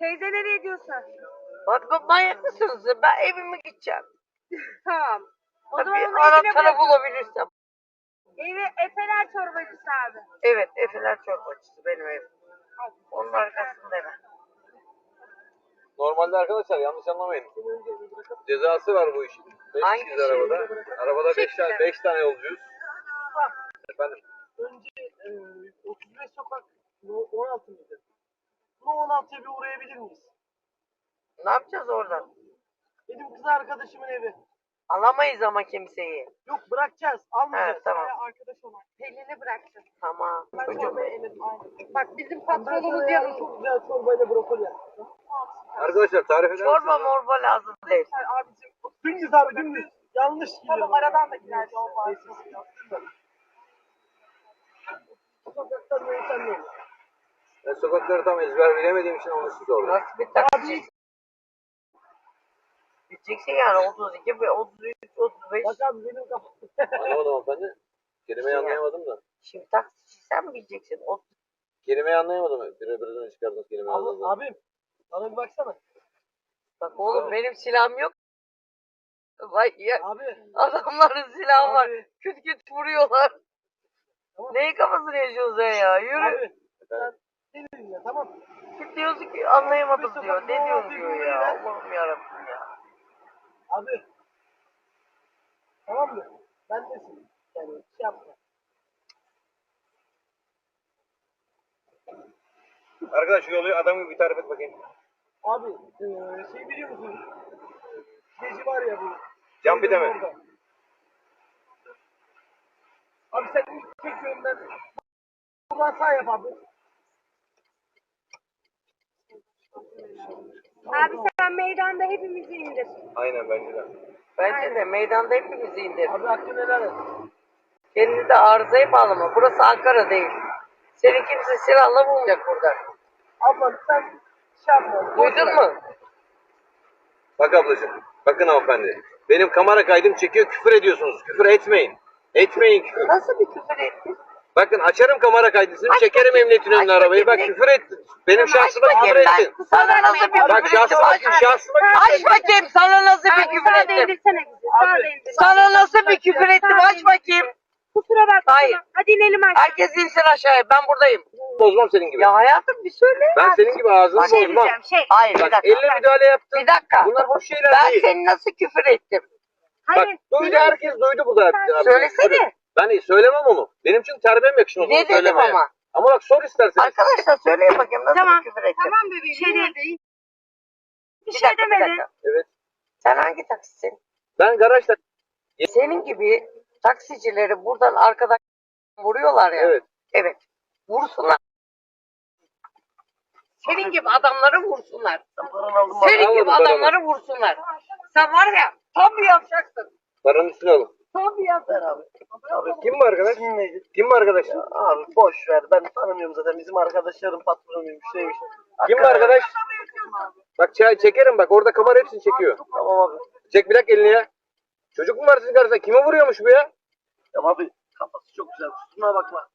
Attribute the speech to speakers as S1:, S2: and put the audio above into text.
S1: Teyze nereye gidiyorsun?
S2: Bak manyak mısınız? Ben evime gideceğim.
S1: Tamam. O zaman
S2: Bir
S1: onu evine
S2: anahtarı
S1: bırakıyorum.
S2: bulabilirsem.
S1: Evi Efeler çorbacısı abi.
S2: Evet, Efeler çorbacısı benim evim. Onun arkasında hemen.
S3: Normalde arkadaşlar yanlış anlamayın. Cezası var bu işin. 5
S2: Hangi
S3: kişiyiz
S2: şey?
S3: arabada. Arabada 5 tane yolcuyuz. Efendim.
S4: Önce 35 sokak 16 mıydı? Bu 16'ya bir uğrayabilir miyiz?
S2: Ne yapacağız oradan?
S4: Benim kız arkadaşımın evi.
S2: Alamayız ama kimseyi.
S4: Yok bırakacağız, almayacağız.
S2: Evet, tamam.
S4: Arkadaş olan.
S1: Pelin'i bıraktım.
S2: Tamam.
S4: Ben
S2: Çocuğum.
S4: çorbayı eledim. Aynen.
S1: Bak bizim
S4: Ben
S1: patronumuz
S4: sana
S1: yanında.
S4: yarın çok güzel çorbayla brokoli yaptım.
S3: Arkadaşlar tarif eder misiniz?
S2: Çorba morba lazım değil.
S4: Abicim dümdüz abi dümdüz. Yanlış gidiyor. Tamam aradan da gider yol var. Sokaktan yöneten yol.
S3: Ben sokakları tam ezber bilemediğim için onu size sordum.
S2: Nasıl bir taksi? Gideceksin yani 32, 33, 35.
S4: Bak abi benim kafam.
S3: Anlamadım hanımefendi. Kelimeyi anlayamadım da.
S2: Şimdi taksici sen mi gideceksin?
S3: Kelimeyi anlayamadım. Biraz önce çıkardığınız kelimeyi anladım.
S4: Abim bana bir baksana.
S2: Bak oğlum benim silahım yok. Vay ya.
S4: Abi.
S2: Adamların silahı var.
S4: Abi.
S2: Küt küt vuruyorlar.
S4: Tamam.
S2: Neyin kafasını yaşıyorsun sen ya? Yürü.
S4: Abi. Sen ne dedin ya tamam.
S2: Küt diyorsun ki anlayamadım diyor. Ne diyorsun diyor ya. Allah'ım yarabbim ya.
S4: Abi. Tamam mı? Ben desin. Yani şey yapma.
S3: Arkadaş şu yolu adam gibi bir tarif et bakayım.
S4: Abi şey biliyor musun? Gezi var ya bu.
S3: Can bir de mi?
S4: Orada. Abi sen ilk tek yönden buradan sağ yap abi.
S1: Abi sen meydanda hepimizi indir.
S3: Aynen bence de.
S2: Bence de meydanda hepimizi indir.
S4: Abi hakkını helal et.
S2: Kendini de arızaya bağlama. Burası Ankara değil. Seni kimse silahla bulmayacak burada.
S4: Ablam sen şey yapma.
S2: Duydun mu?
S3: Bak ablacığım. Bakın hanımefendi. Benim kamera kaydım çekiyor, küfür ediyorsunuz. Küfür etmeyin. Etmeyin küfür.
S2: Nasıl bir küfür ettin?
S3: Bakın açarım kamera kaydısını, çekerim emniyetin önüne arabayı. Bak küfür et. Benim şahsıma küfür ettin.
S2: Sana nasıl bir
S3: Bak
S2: küfür ettim?
S3: şahsıma
S2: Aç bakayım sana nasıl bir küfür
S1: Sağa da
S2: ettim?
S1: indirsene bizi. Sağa da indir.
S2: Sana nasıl bir küfür ettim? Aç bakayım.
S1: Kusura bakma.
S2: Hayır.
S1: Hadi inelim aşağı.
S2: Herkes insin aşağıya. Ben buradayım.
S3: bozmam senin gibi.
S2: Ya hayatım bir söyle.
S3: Ben senin gibi ağzını bozmam.
S2: Hayır bir
S3: Bak
S2: dakika.
S3: elle müdahale yaptın.
S2: Bir dakika.
S3: Bunlar hoş şeyler
S2: Ben
S3: değil.
S2: seni nasıl küfür ettim?
S3: Bak
S1: Hayır.
S3: duydu herkes duydu burada.
S2: Söylesene.
S3: Ben söylemem onu. Benim çünkü terbiyem yakışmaz onu
S2: Ne dedim
S3: söylemeye.
S2: ama?
S3: Ama bak sor istersen.
S2: Arkadaşlar söyleyin bakayım nasıl
S1: Tamam.
S2: bir küfür ettim?
S1: Tamam bebeğim. Bir şey değil. Bir
S2: Bir
S1: şey
S2: dakika, bir
S1: demedin.
S2: dakika.
S3: Evet.
S2: Sen hangi taksisin?
S3: Ben garajda.
S2: Senin gibi taksicileri buradan arkadan vuruyorlar ya.
S3: Evet.
S2: Evet. Vursunlar. Senin gibi adamları vursunlar. Senin
S3: Almadım
S2: gibi
S3: paramı.
S2: adamları vursunlar. Sen var ya tam bir yapacaksın.
S3: Paranın üstüne alın.
S2: Tam bir yapacaksın abi.
S4: Abi
S3: Kim bu arkadaş? Kim bu arkadaş?
S4: Abi boş ver. Ben tanımıyorum zaten. Bizim arkadaşlarım patronuymuş şeymiş.
S3: Kim bu arkadaş? Bak çekerim bak orada kamera hepsini çekiyor.
S4: Tamam abi.
S3: Çek bir dakika elini ya. Çocuk mu var sizin karşınızda? Kime vuruyormuş bu ya?
S4: Tamam abi. Kafası çok güzel. Kusuruna bakma.